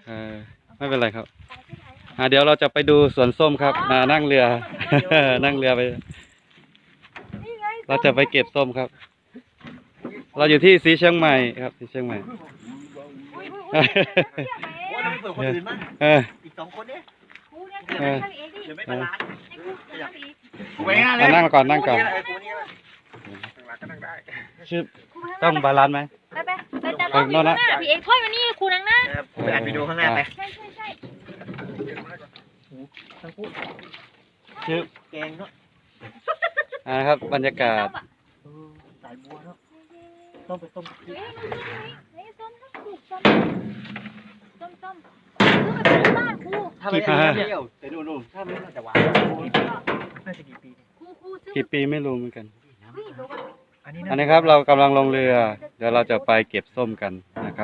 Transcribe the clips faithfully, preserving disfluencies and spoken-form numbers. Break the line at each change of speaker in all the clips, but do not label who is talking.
เออไม่เป็นไรครับอ่าเดี๋ยวเราจะไปดูสวนส้มครับมานั่งเรือ นั่งเรือไปเราจะไปเก็บส้มครับ เราอยู่ที่สีเชียงใหม่ครับสีเชียงใหม่เออ
อีกสองคนเนี่ย
เออ
เดี๋ยวไม่บาลานซ์
นั่งก่อนนั่งก่อนชื่อต้องบาลานซ์ไหม
ไปไปไปแต่ต้องมีหน้าพี่เอกถ้อยมานี่ครูนังหน้า
ไปอ่านวิดีโอข้างหน้าไป
ใช่ใช่ใช่
ทั้งคู่
ชื่อ
แกงเนาะ
อ่าครับบรรยากาศ
สายบัวเนาะต้มไปต้ม
เฮ้ยเฮ้ยส้มส้มส้มส้มส้มซื้อมาเป็นบ้านครู
ถ้าไม่ได้เปรี้ยวแต่ดูดูถ้าไม่น่าจะหวานน่าจะกี่ปี
ครูครูซื้อ
กี่ปีไม่รู้เหมือนกัน
เฮ้ยบอกว่า
อันนี้
อันนี้ครับเรากำลังลงเรือ เดี๋ยวเราจะไปเก็บส้มกันนะครับ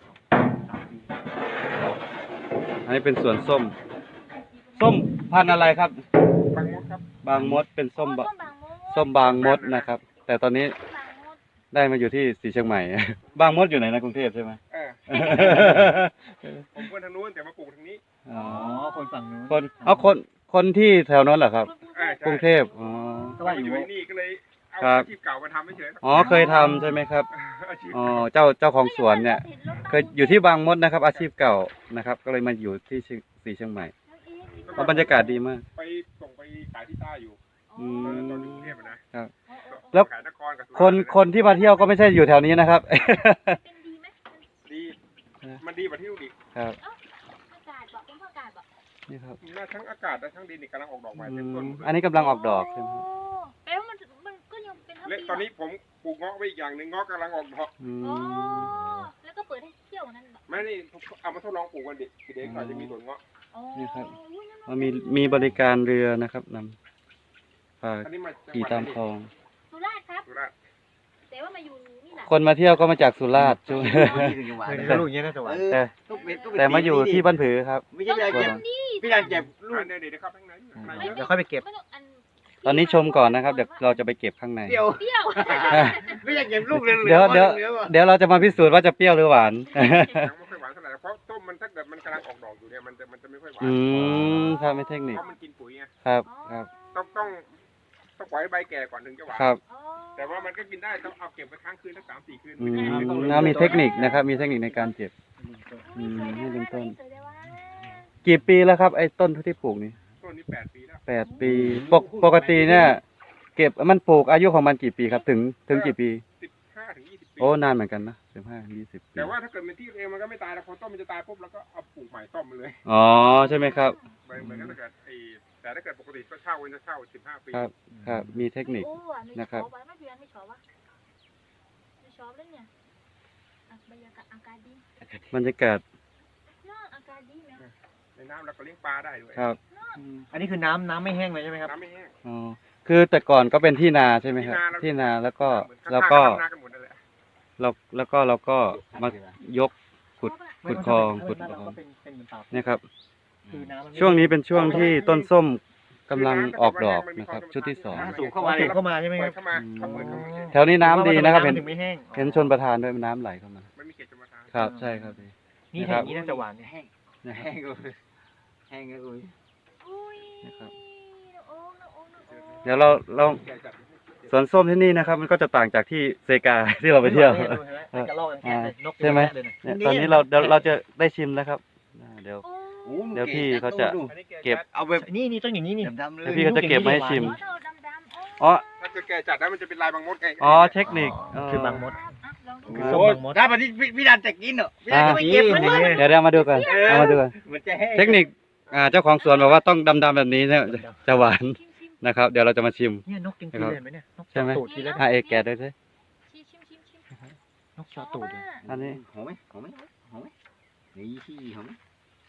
อันนี้เป็นสวนส้ม ส้มพันธุ์อะไรครับ
บางมดครับ
บางมดเป็นส้มบะ
ส้มบางมด
ส้มบางมดนะครับ แต่ตอนนี้
บางมด
ได้มาอยู่ที่สีเชียงใหม่ บางมดอยู่ไหนนะกรุงเทพใช่ไหม
เออผมคนทางนู้นแต่มาปลูกทางนี้
อ๋อ
คนฝั่งนู้น
คนเอาคนคนที่แถวนั้นเหรอครับ
เออก
รุงเทพอ๋อ
ก็ว่าอยู่นี่ก็เลยเอา
ครับ
อาชีพเก่ามาทำไม่เฉย
อ๋อเคยทำใช่ไหมครับ
อาชีพ
อ๋อเจ้าเจ้าของสวนเนี่ยเคยอยู่ที่บางมดนะครับ อาชีพเก่านะครับ ก็เลยมาอยู่ที่สีเชียงใหม่เพราะบรรยากาศดีมาก
ไปส่งไปขายที่ใต้อยู่
อื
ตอน
ม
ตอนอยู่กรุงเทพอะนะครับ
แล้ว
ขายนครกับสุราษฎร์
คนคนที่มาเที่ยวก็ไม่ใช่อยู่แถวนี้นะครับ
เป็นดีไหม
ดีมันดีกว่าที่นู่นอีก
ครับ
อากาศบอกเป็นเพราะอากาศบอก
นี่ครับ
น่าทั้งอากาศและทั้งดินนี่กำลังออกดอกใหม่
อื
เต็มต้น
ม
หมดเลย
อันนี้กำลังออกดอกใช่ไหมครับ
แปลว่ามันมันก็ยังเป็นทั้ง
และ
ปี
ตอนนี้ผมปลูกเงาะไว้อีกอย่างหนึ่งเงาะกำลังออกดอก
อื
อ๋อ
ม
แล้วก็เปิดให้เที่ยวนั่นแบบ
แม่นี่เอามาทดลองปลูกกันดิเด็กๆหน่อยจะมีสวนเงาะ
อ๋อ
นี่ครับ
อุ้ยนั่น
มันมีมีบริการเรือนะครับนำพา
อันนี้มาจังห
ขี่
วัด
ตาม
ไหน
คลอง
สุราษฎร์ครับ
สุราษฎร์
แต่ว่ามาอยู่นี่แหละ
คนมาเที่ยวก็มาจากสุราษฎร์ช่วง
เคยดูลูกอย่างเงี้ยน่าจะหวาน
แต่แต่มาอยู่ที่บ้านผือครับ
ไม่ใช่พี่นางเก็บพี่นางเก็บลูก
อันเดี๋ยวเดี๋ยวเข้าข้างในข้างในเยอะ
เดี๋ยวค่อยไปเก็บ
ไม่ต้องอัน
ตอนนี้ชมก่อนนะครับ เดี๋ยวเราจะไปเก็บข้างใน
เปรี้ยว
เปรี้ยว
ไม่อยากเก็บลูกเลย
เดี๋ยวเดี๋ยวเดี๋ยวเราจะมาพิสูจน์ว่าจะเปรี้ยวหรือหวาน
ยังไม่ค่อยหวานเท่าไหร่เพราะต้มมันถ้าเกิดมันกำลังออกดอกอยู่เนี่ยมันจะมันจะไม่ค่อยหวาน
อืมครับไม่เทคนิค
เพราะมันกินปุ๋ยไง
ครับครับ
ต้องต้องต้องปล่อยให้ใบแก่ก่อนถึงจะหวาน
ครับ
อ๋อ
แต่ว่ามันก็กินได้ต้องเอาเก็บไปค้างคืนสักสามสี่คืน
อืมแล้วมีเทคนิคนะครับ มีเทคนิคในการเก็บ อืมให้เป็นต้น
สวยเลยว่า
กี่ปีแล้วครับไอ้ต้นที่ปลูกนี่
ต้นนี้แปดปีแล้ว
แปดปีปกปกติเนี่ย เก็บมันปลูกอายุของมันกี่ปีครับ ถึงถึงกี่ปี
สิบห้าถึงยี่สิบปี
โอ้นานเหมือนกันนะสิบห้ายี่สิบปี
แต่ว่าถ้าเกิดเป็นที่เองมันก็ไม่ตายแล้วพอต้นมันจะตายปุ๊บแล้วก็เอาปลูกใหม่ต้มมันเลย
อ๋อใช่ไหมครับ
เหมือนเหมือนกับถ้าเกิดไอ้แต่ถ้าเกิดปกติก็เช่ามันจะเช่าสิบห้าปี
ครับครับมีเทคนิค
โอ้อ่ไม่
นะครับ
ชอบวไม่เพียนไม่ชอบวะไม่ชอบเลยเนี่ยอ่ะบรรยากาศอากาศดี
บรรยากาศ
น่าอากาศดีเนี่ย
ในน้ำแล้วก็เลี้ยงปลาได้ด้วย
ครับ
อันนี้คือน้ำน้ำไม่แห้งเลยใช่ไหมครับ
น้ำไม่แห้ง
อ๋อคือแต่ก่อนก็เป็นที่นาใช่ไหมครับ
ที่
ที่
นา
นาแล้วก็
เหมือนข้างๆ
แล้วก็
ทำนากันหมดนั่นแหละ
เราแล้วก็เราก็มายกขุดขุดคลองขุดคลอง
เป็นเป็นเหมือนเปล่า
เนี่ยครับ
คือน้ำมันไม่
ช่วงนี้เป็นช่วงที่ต้นส้มกำลังออกดอกนะครับ ชุดที่สอง
สูงเข้ามาเข้ามาใช่ไหม
เปิ
ครั
ด
บ
เข้ามาเขาเปิดเข้ามา
แถวนี้น้ำดีนะครับ เห็น
ถึงไม่แห้ง
เห็นชนประทานด้วยน้ำไหลเข้ามา
ไม่มีเกล็ดจะมาทาน
ครับใช่ครับ
นี่แห้งนี้น่าจะหวานแห้ง
นะครับ
แห้งเลยแห้งเลย
อุ้ย
นะครับ
โอ้น้องโอ้น้องโอ้
เดี๋ยวเราเรา
แก่จัด
สวนส้มที่นี่นะครับ มันก็จะต่างจากที่เซกา ที่เราไปเที่ยว
กระรอกกันแค่นก
ใช่ไหม เนี่ยตอนนี้เราเดี๋ยวเราจะได้ชิมแล้วครับอ่าเดี๋ยว
โอ้
เดี๋ยวพี่เขาจะ
อันนี้แ
เก็บ
เอาแบบนี่นี่ต้องอย่างนี้นี่
เดี๋ยวพี่ก็จะเก็บมาให้ชิม
โหเท่าดำดำ
อ๋อ
ถ้าเกิดแก่จัดแล้วมันจะเป็นลายบางมดไง
อ๋อเทคนิคอ๋อ
คือบางมด
อ่ะลองดู
คือส้มบางมดได้ปะที่พี่ดันจะกินเหรอพี่ดันจะไม่เก็บมันเลย
เดี๋ยวเรามาดูกันเอามาดูกัน
มันจะแห้ง
เทคนิคอ่าเจ้าของสวนบอกว่าต้องดำๆแบบนี้เนี่ยจะหวาน
ชิมชิม
นะครับ เดี๋ยวเราจะมาชิม
เนี่ยนกกินกินเลยไหมเนี่ยนก
ใช่ไหม
ตูดกินแล้ว
อ่าเอกแกะด้วยสิ
ชิมชิมชิมชิม
นกชอตูดเลย
อันนี้
หอมไหมหอมไหมหอมไหมนี่ที่หอมไหม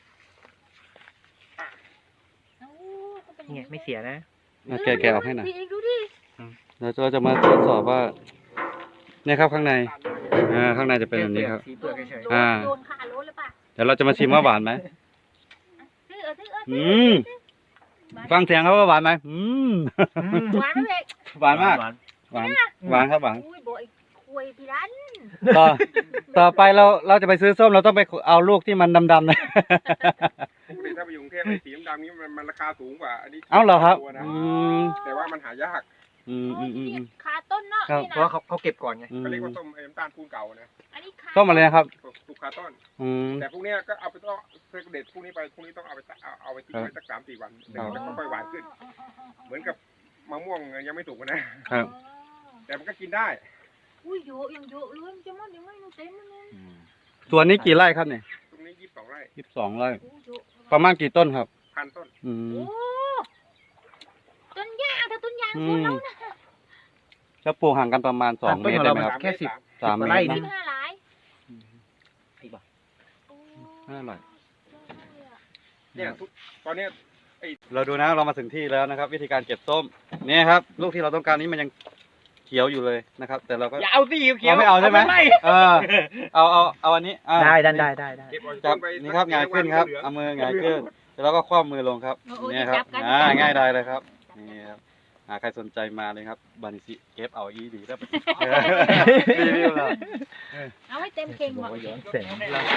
โอ้ก็เป็น
นี่ไงไม่เสียนะ
อ่ะแกะแกะออกให้หน่อย
พี่เองดูดิ
เดี๋ยวเราจะมาตรวจสอบว่าเนี่ยครับข้างในอ่าข้างในจะเป็นแบบนี้ครับ
สีเปลือกเฉย
โดน
อ่า
โดนขาโลนหรือเปล่า
เดี๋ยวเราจะมาชิมว่าหวานไหม
ซื้อเออซื้อเออ
อืมฟังเสียงเขาว่าหวานไหมอืม
ๆ
หวานไหมเด็ก
หวานมาก
หวาน
หวานหวานครับหวาน
อุ้ยบอกไอ้คป่วยพี่รัน
ต่อต่อไปเราเราจะไปซื้อส้มเราต้องไปเอาลูกที่มันดำๆนะ
ปกติถ้าไปอยู่กรุงเทพไอ้สีดำๆนี้มันมันราคาสูงกว่าอันนี้
เอ้าเหรอครับ
ตัวนะ
อืม
แต่ว่ามันหายาก
อืมอืมอืมอืม
คาต้นเนาะ
ครับ
นี่
เพ
นะ
ราะว่าเขาเขาเก็บก่อนไง
อืม
เขาเรียกว่าส้มไอ้น้ำตาลปูนเก่านะ
อันนี้คา
ส้มอะไรนะครับ
สุกคาต้น
อืม
แต่พวกเนี้ยก็เอาไปต้องเพื่อเด็ดพวกนี้ไปพวกนี้ต้องเอาไปเอาเอาไปทิ้งไว้สักสามสี่วันเดี๋ยวมันจะค่อยๆหวานขึ้น เหมือนกับมะม่วงยังไม่สุกนะครับ แต่มันก็กินได้
อุ้ยเยอะยังเยอะเลยมันจะมันยังไม่รู้เต็มเลย
ส่วนนี้กี่ไร่ครับเนี่ย
ตรงนี้ยี่สิบสองไร่
ยี่สิบสองไร่
โอ้เยอะ
ประมาณกี่ต้นครับ
พันต้น
อืม
โอ้ต้นยางแต่ต้นยาง
อื
สวน
ม
เรานะ
จะปลูกห่างกันประมาณสองเมตรได้ไหมครับ
แค่สิบ
สามเมตร
ไร่
นะ
สิบห้าหลาย
ไอ้บ้า
โอ้
ห้าไร่
เนี่ยทุกตอนเนี้ย
เราดูนะเรามาถึงที่แล้วนะครับ วิธีการเก็บส้มเนี่ยครับ ลูกที่เราต้องการนี้มันยังเขียวอยู่เลยนะครับ แต่เราก็
อย่าเอาสิเขียว
เราไม่เอาใช่ไหม
ไม่
เออเอาเอาเอาอันนี้อ่ะ
ได้ได้ได้ได้ได้
เก็บเอา
จับ
ไป
นี่ครับหงายขึ้นครับเอามือหงายขึ้นแล้วก็คว่ำมือลงครับเนี่ยครับอ่าง่ายได้เลยครับนี่ครับหาใครสนใจมาเลยครับบานิซิเก็บเอาอีดีแล้วรีวิวเรา
เอาให้เต็มเข่ง
บอก
ว่ะ
ว่าย้อนแสง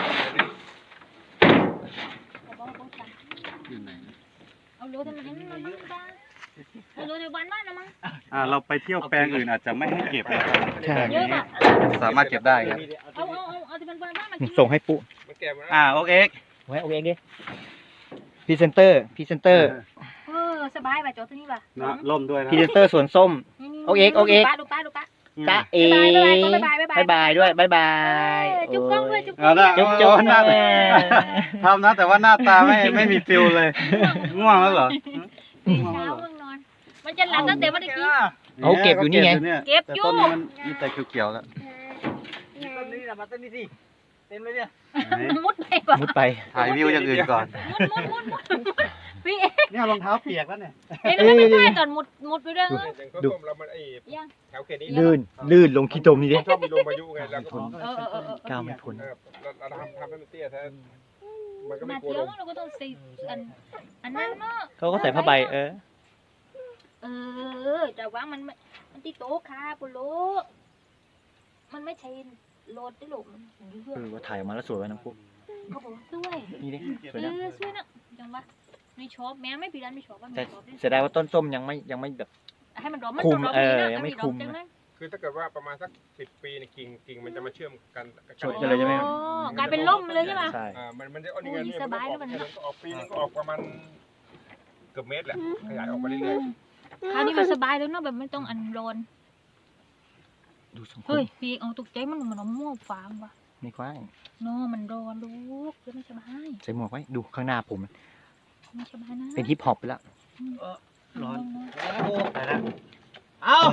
อยู่ไหน
เอาโลทำไมให้มันมันมันบ้างเอาโลเดี๋ยววันมากนะมั้ง
อ่าเราไปเที่ยวแปลงอื่นอาจจะไม่ให้เก็บนะครับ
ใช่
เยอะป่ะ
สามารถเก็บได้ครับ
เอาเอาเอาเอาที่เป็นวันมากมากิน
ส่งให้ปุ๊
มันแก่หมดแล้ว
อ่าโอเค
ไว้เอาเองดิพรีเซนเตอร์พรีเซนเตอร์
เออสบายป่ะโจตัวนี้ป่ะ
นะล่มด้วยนะ
พรีเซนเตอร์สวนส้ม เอาเองเอาเอง
ดูป้าดูป้า
จ้าเอ
บ๊ายบายบ๊ายบายบ๊ายบาย
บายด้วยบายบาย
จุ๊บกล้องด้วยจุ๊บกล้
เอา
อง
ละ
จุ๊บจุ๊บ
หน้าทำนะแต่ว่าหน้าตาไม่ไม่มีฟิลเลยง่วงแล้วเหรอ
ตื่นเช้าเพิ่งนอน มันจะหลับตั้งแต่เมื่อกี้
เอาเก็บอยู่นี่ไง
เก็บ
แต่
อยู่
ต้นนี้มันมีแต่เขียวๆแล้ว
ต้นนี้นะมาต้นนี้สิเต็มเลยเนี่ย
มุดไปป่ะ
มุดไป
ถ่ายวิวอย่างอื่นก่อน
มุดมุดมุดมุดพี่เอ๊ะ
เนี่ยรองเท้าเปียกแล้วเนี่ย
เอ๊ะแล้วไม่ได้ตอนมุดมุดไปด้วยเหรอ
อย่าง
ดู
ต้มเรามันไอ้
ยัง
แถวเขตนี้
ลื่นลื่นลงขี้ตมนี่ดิ
ชอบมีลมพายุไงแล้วก็
เออเออเออเออ
ก้าวไม่พ้น
เออเราเราทำทำให้มันเตี้ยแท้มันก็ไม่
มาก
ลัว
เที่ย
ล
ว
ม
เราก็ต้องใส่อันอันนั้นเนาะ
เขาก็ใส่ผ้าใบเออ
เออแต่ว่ามันไม่มันที่โต๊ะค่ะปุโรมันไม่ใช่โหลดที่หลุมเพื่อ
เออว่าถ่ายออกมาแล้วสวยไว้น้ำปุ๊
เขาบอกช่วย
นี่ดิส
เอ
วยนะ
อช่วยนะจังวะไม่ชอบแม้ไม่ปีนั้นไม่ชอบว่าไม่
แต่
ชอบ
เสียดายว่าต้นส้มยังไม่ยังไม่แบบ
ให้มันร้อนมัน
คุม
ร้อน
เออ
ดีนะ
ยังไม่
ถ้า
คุม
ดอกจังนั้น
คือถ้าเกิดว่าประมาณสักสิบปีเนี่ยกิ่งกิ่งมันจะมาเชื่อมกันกัน
ชดกันเลยใช่ไหม
อ๋อกลายเป็นล่มเลยใช่ไหม
ใช่
อ่ามันมันจะเอานี่ไง
โอ้ย
นี่
ส
มัน
บาย
ก็อ
แล้
อ
ว
ก
มัน
ก็ออกปีนึงก็ออกประมาณเกือบเมตรแหละขยายออกมาเรื่อย
คราวนี้มันสบายเลยเนาะแบบไม่ต้องอันร้อน
ดูสองค
เฮ้
น
ยพี่เอาตกใจมันเหมือนเอาหม้อฟางว่ะ
ไม่กว้าง
เนาะมันร้อนลูกจะไม่สบาย
ใส่หมวกไว้ดูข้างหน้าผม
ไม่สบายนะ
เป็นฮิปฮอปไปแล้ว
ร้อน
เอ้า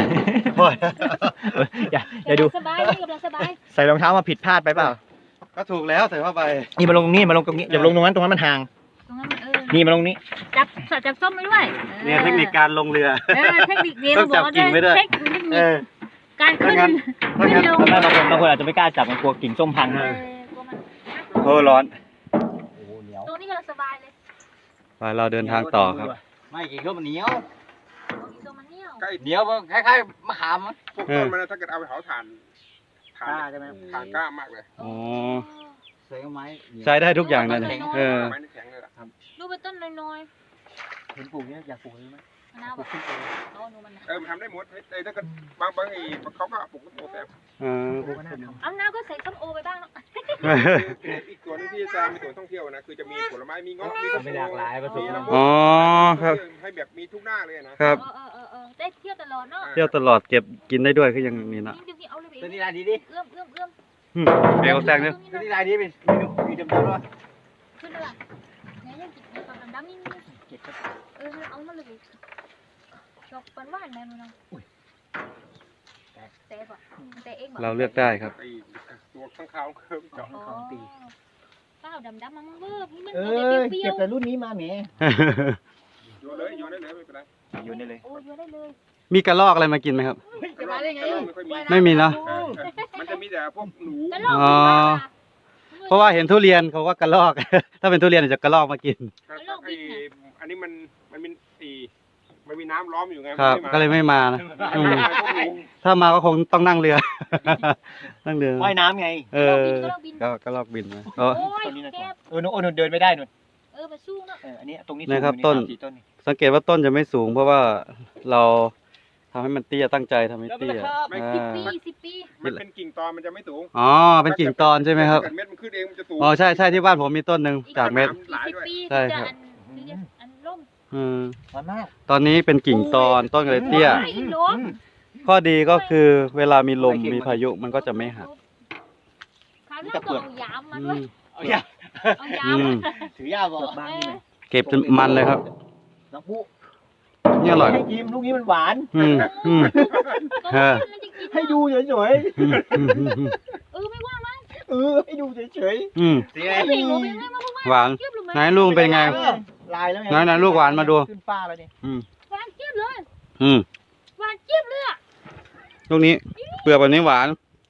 อย่าอย่าดู
สบายนี่กำลังสบาย
ใส่รองเท้ามาผิดพลาดไปเปล่า
ก็ถูกแล้วใส่ผ้าใบ
นี่มาลงตรงนี้มาลงตรงนี้อย่าลงตรงนั้นตรงนั้นมันห่าง
ตรงนั้นเออ
นี่มาลงนี้
จับจับส้มไปด้วย
เนี่ยเทคนิคการลงเรือ
เออเทคนิคเรียน
ต้องจับกิ่งไว้ด้วย
เทคนิค
เออ
การขึ้น
ถ้างั้น
ขึ้นลง
บางคนบางคนอาจจะไม่กล้าจับมันกลัวกิ่งส้มพัง
เอ
นะ
อกลัวมัน
โอ้ร้อน
โอ้เหนียว
ตรงนี้กำลังสบายเลย
ไปเราเดินทางต่อครับ
ไม่กิ่งส้มมันเหนียว
ตรงนี้ตรงมันเหนียว
ๆใกล้
เหนียวคล้ายๆมะขาม
พวกต้นมันนะถ้าเกิดเอาไปเผาถ่านถ่าน
กล้าใช่ไหม
ถ่านกล้ามากเลย
อ๋อ
ใส่ไม้
ใช้ได้ทุกอย่างนั่นเลยเออ
ไม้นี่แข็งเลยล่ะ
ดูเป็นต้นน้อย
เห็นปลูกเนี่ยอยากปลูกเลยไหม
ๆมะนาวแบบเอาหนูมันนะ
เออมันทำได้หมดไอ้ถ้าเกิดบางบางไอ้เขาก็ปลูกต้นโตแต่
เออ
ปลูกก็น่าท
เอาน้ำก็ใส่ส้มโอไปบ้างเนาะ
อีกตัวนึงที่จะมีสวนท่องเที่ยวนะคือจะมีผลไม้มีเงาะมี
ำไม่หลากหลายผสม
มี
กัน
น้ำ
อ๋อครับ
ให้แบบมีทุกหน้าเลยนะครับ
เออเออเออเออได้เที่ยวตลอดเนาะ
เที่ยวตลอดเก็บกินได้ด้วยคือยังมีนะ
จริงๆเอาเลย
ตัว
ไป
นี้ลายดีดิ
เอื้อมเอื้อมเอื้อม
อืมเบลแซงเนี่ย
ตัวนี้ลายดีเป็นมีมีดำๆด้วย
ขึ้นเลยว่ะไหนยังกินในความดำๆนี่นี่เออเอามาเลยชอบปันหวานแม่มันเนาะแต่ป่ะแต่เอง
เราเลือกได้ครับ
ไอ้ตัวข้างคาวเคิร์มเจาะ
อ๋อข้าวดำๆมันเวิร์บมัน
เอ
เป
อ
รี้
เก็
ย
บ
ว
แต่รุ่นนี้มาแหม
โยนเลยโยนได้เลยไม่เป็นไร
โยนได้เลย
ๆโอ้ยได้เลย
มีกระรอกอะไรมากินไหมครับ
จะมาได้ไง
ไม่ค่อยมี
ไม่มีเนอะ
เออมันจะมีแต่พวกหนู
แล้วลอง
อ๋อ เพราะว่าเห็นทุเรียนเขาว่ากระรอก ถ้าเป็นทุเรียนอาจจะกระรอกมากิน
ไอ้อันนี้มันมันเป็นไอ้มมันมีน้ำล้อมอยู่ไง
ครับ
มัน
ก็เลยไม่มานะอืมถ้ามาก็คงต้องนั่งเรือ นั่งเรือ
ว่ายน้ำไง
เอ
เรา
อ
บินก็เราบิน
ก็ก็ลอกบินมา
โอ้
อ๋อ
ย
ต้นนี้นะ
แก้บ
เออโน่นเดินไม่ได้นู่น
เออมาสู้เนาะ
เอออันนี้ตรงนี้
นะครับ
สูง
ต้น
สามสี่ต้นนี่
สังเกตว่าต้นจะไม่สูง เพราะว่าเราทำให้มันเตี้ยตั้งใจทำให้เตี้ย
ไม่
อ่
สิบ
า
ปีสิบปี
มันเป็นกิ่งตอนมันจะไม่สูง
อ๋อเป็นกิ่งตอนใช่ไหมครับ
ถ้าเกิดเม็ดมันขึ้นเองมันจะสูง
อ๋อใช่ใช่ที่บ้านผมมีต้นหนึ่งจากเม็ด
อีกสิบปี
ใช่
ถึง
ครั
จะ
บ
อันถึงจะอันล่ม
อืม
มันมาก
ตอนนี้เป็นกิ่งตอนต้นก็เลยเตี้ย
โอ้ลม
ข้อดีก็คือเวลามีลมมีพายุมันก็จะไม่หัก
คราวหน้าก็เอายามมา
อื
ด้วย
ม
เอาอย่า
เอายาม
อืม
ถือยาบอกบ้างนี่ไหม
เก็บจนมันเลยครับ
น้องปุ๊
นี่อร่อย
ให้กินลูกนี้มันหวาน
อืมอืม
เออ
ให้ดูเฉย
อืมอืมอืมอืม
เออไม่ว่ามั้ง
ๆเออให้ดูเฉย
อืม
ๆสี
ไม่
อะไร
เห็นหนูเป็นไงมาพูด
หวาน
เจี๊ยบลงมา
ไหนลุงเป็นไง
ลายแล้วไง
ไหนไหนลูกหวานมาดู
ขึ้นฟ้าแล้วเนี่ย
อืม
หวานเจี๊ยบเลย
อืม
หวานเจี๊ยบเลยอะ
ลูกนี้เปลือกแบบนี้หวาน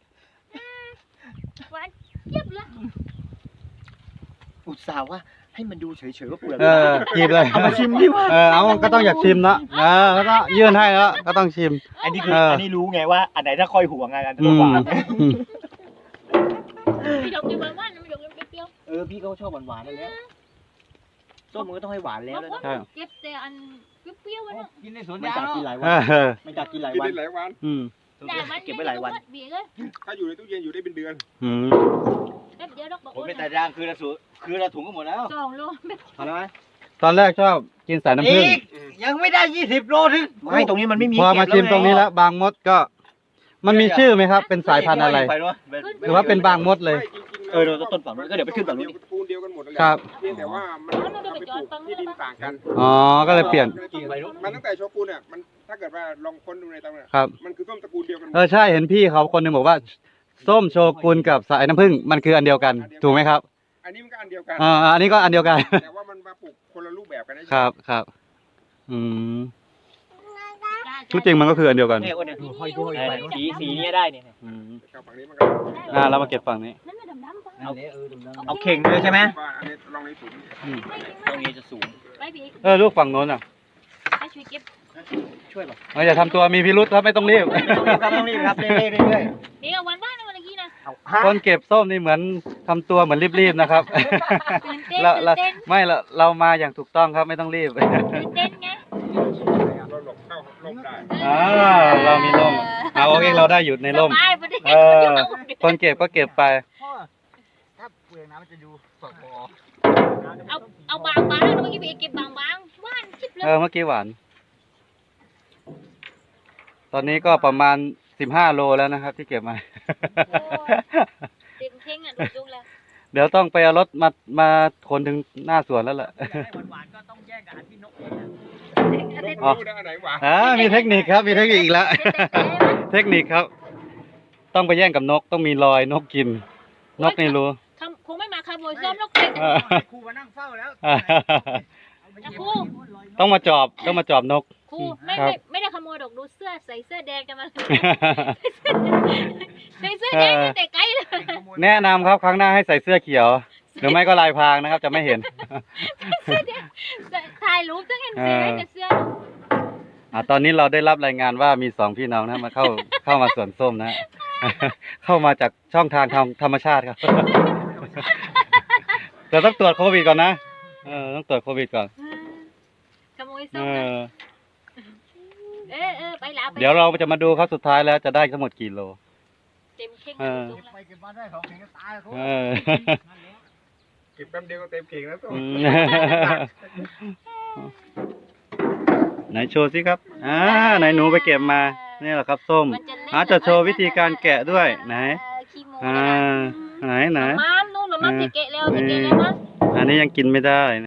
หวานเจี๊ยบเลย
อุตส่าห์ว่าให้มันดูเฉยๆว่าเปลือก
เออชิมเลย
เอามาชิมดิว่า
เออเอาก็ต้องอยากชิมนะเออก็ต้องยื่นให้แล้วก็ต้องชิม
อันนี้คือ
เอออั
อันนี้รู้ไงว่าอันไหนถ้าค่อยห่วงไงอัน
อื
นั้น
ม
หวาน
อืม
ไม่ดอกกินหวานหวานไม่ดอกกินเปรี้ยว
เออพี่ก็ชอบหวานๆนั่นแหล้วส้มมันก็ต้องให้หวาน
ๆ
แล้ว
บาง
เลย
คน
นะ
เก็บแต่อันเปรี้ยวๆไว้เนาะ
กินในสวนไม่จากกินหลาย
เอ
วัน
อ
ไม่จากกินหลาย
กิน
วัน
ได้หลายวัน
อืม
แต่มัน
เก็บไว้หลายวัน
เบียร์เลย
ถ้าอยู่ในตู้เย็นอยู่ได้เป็นเดือน
อืม
แป๊บเดียวดอกบอก
ผม
ว่า
เป็นแต่ย่างคือละสูคือละถุงก็หมดแล้ว
สองโลไม่
พอแล้วไหม
ตอนแรกชอบกินสายน้ำผึ้ง
อีกยังไม่ได้ยี่สิบโลถึงไม่ตรงนี้มันไม่มี
พอมา
เก็บ
ชิมตรงนี้แล้ว บางมดก็ มันมีชื่อไหมครับ เป็นสายพันธุ์อะไร
ปเนอะ
หรือว่าเป็นบางมดเลย
ไม่จริงๆ
เออเราต้นฝั่งนู้นก็เดี๋ยวไปขึ้นฝั่งนู้น
ตระกูลเดียวกันหมดนั่นแหละ
ครับ
เพียงแต่ว่ามันเอาไปปลูกที่ดินต่างกัน
อ๋อ ก็เลยเปลี่ยน
มันตั้งแต่โชกุนเนี่ยมันถ้าเกิดว่าลองค้นดูในตำรา
ครับ
มันคือต้นตระกูลเดียวกันหมด
เออใช่เห็นพี่เขาคนหนึงบอกว่า ส้มโชกุนกับสายน้ำผึ้งมันคืออันเดียวกัน ถูกไหมครับ
อันนี้มันก็อันเดียวกัน
อ่าอันนี้ก็อันเดียวกัน
แต่ว่ามันมาปลูกคนละรูปแบบกันนะครับ
ครับ อืมที่จริงมันก็คืออันเดียวกัน
เนี่ยอ้วนเนี่ยห้อยด้วยไปสีสีนี้ได้เนี่ย
อืม
ครับฝั่งนี้มันก็
อ่าเรามาเก็บฝั่งนี้
นั่นไม่ดำน้ำปะ
เอาเอาเข่งเลยใช่ไหม
ว่าอันนี้ลองในถุง
อืม
ตรงนี้จะสูง
ไปพี่
เออลูกฝั่งโน้นอ่ะ
ให้ช่วยเก็บ
ช่วยป่ะ
เอออย่าทำตัวมีพิรุษครับไม่ต้องรีบ
ต้องรีบครับต้องรีบครับเรื่อยๆเรื่อย
เดี๋ยววันบ้านวันกี้นะ
ๆเอาฮะ
คนเก็บส้มนี่เหมือนทำตัวเหมือนรีบๆนะครับ
ตื่นเต้น
เรา
ตื่
เรา
นเต้น
ไม่เราเรามาอย่างถูกต้องครับไม่ต้องรีบ
ตื่นเต้นไง
เราหลบเข้าร่มได้
อ่าเรามีร่มเอาโอเคเราได้อยู่ในร่ม
สบายประเดี๋ยว
เออ คนเก็บก็เก็บไป
พ่อถ้าเปลือกน้ำมันจะดูสดพอ
เอาเอาบางบางเมื่อกี้พี่เก็บบางบางๆว่านชิบเลย
เออเมื่อกี้หวาน ตอนนี้ก็ประมาณสิบห้าโลแล้วนะครับ ที่เก็บมา
เต็มเท่งอ่ะดูจุกแล้ว
เดี๋ยวต้องไปเอารถมามาขนถึงหน้าสวนแล้วแหละ
ให้หวานๆก็ต้องแย่งกับอันที่นกเองนะ
อ๋อ
รู้นะอันไหนหวาน
อ่ามีเทคนิคครับ มีเทคนิคอีกแล้ว เทคนิคครับ ต้องไปแย่งกับนก ต้องมีรอยนกกิน นกนี่รู้
คำคงไม่มาขโมยส้มแล้วเก็บ
เออ
ครูมานั่งเฝ้าแล้ว
นะครู
ต้องมาจอบ ต้องมาจอบนก
ครูไม่
ครับ
ไม่ไม่ได้ขโมยดอกดูเสื้อใส่เสื้อแดงกันมาใส่เสื้อแดงตั้งแต่ไกลเลย
แนะนำครับครั้งหน้าให้ใส่เสื้อเขียว หรือไม่ก็ลายพรางนะครับ จะไม่เห็น
เสื้อแดงถ่ายรูปตั้งเห็นเสื้อแต่เสื้อ
อ่าตอนนี้เราได้รับรายงานว่ามีสองพี่น้องนะมาเข้าเข้ามาสวนส้มนะ เข้ามาจากช่องทางธรรมธรรมชาติครับ แต่ต้องตรวจโควิดก่อนนะเออต้องตรวจโควิดก่อน
ขโมย
เอ
ส้มนะ
อ
เออเออไปแล้วไป
เดี๋ยวเราจะมาดูครับสุดท้ายแล้วจะได้ทั้งหมดกี่โล
เต็มเข่ง
เออ
จุกแล้ว
ไปเก็บมาได้ของเข่งก็ตายครู
เออ
เก็บแป๊บเดียวก็เต็มเข่งแล้วตัว
อืมไหนโชว์สิครับอ่าไหนหนูไปเก็บมานี่แหละครับส้ม
มันจะเล่น
อาจจะโชว์วิธีการแกะด้วยไหน
เออขี้โม้
อ่า
นะ
ไหนไหน
มามนู่นหรือมัมจะเกะแล้วจะเกะแล้วมั้ง
อันนี้ยังกินไม่ได้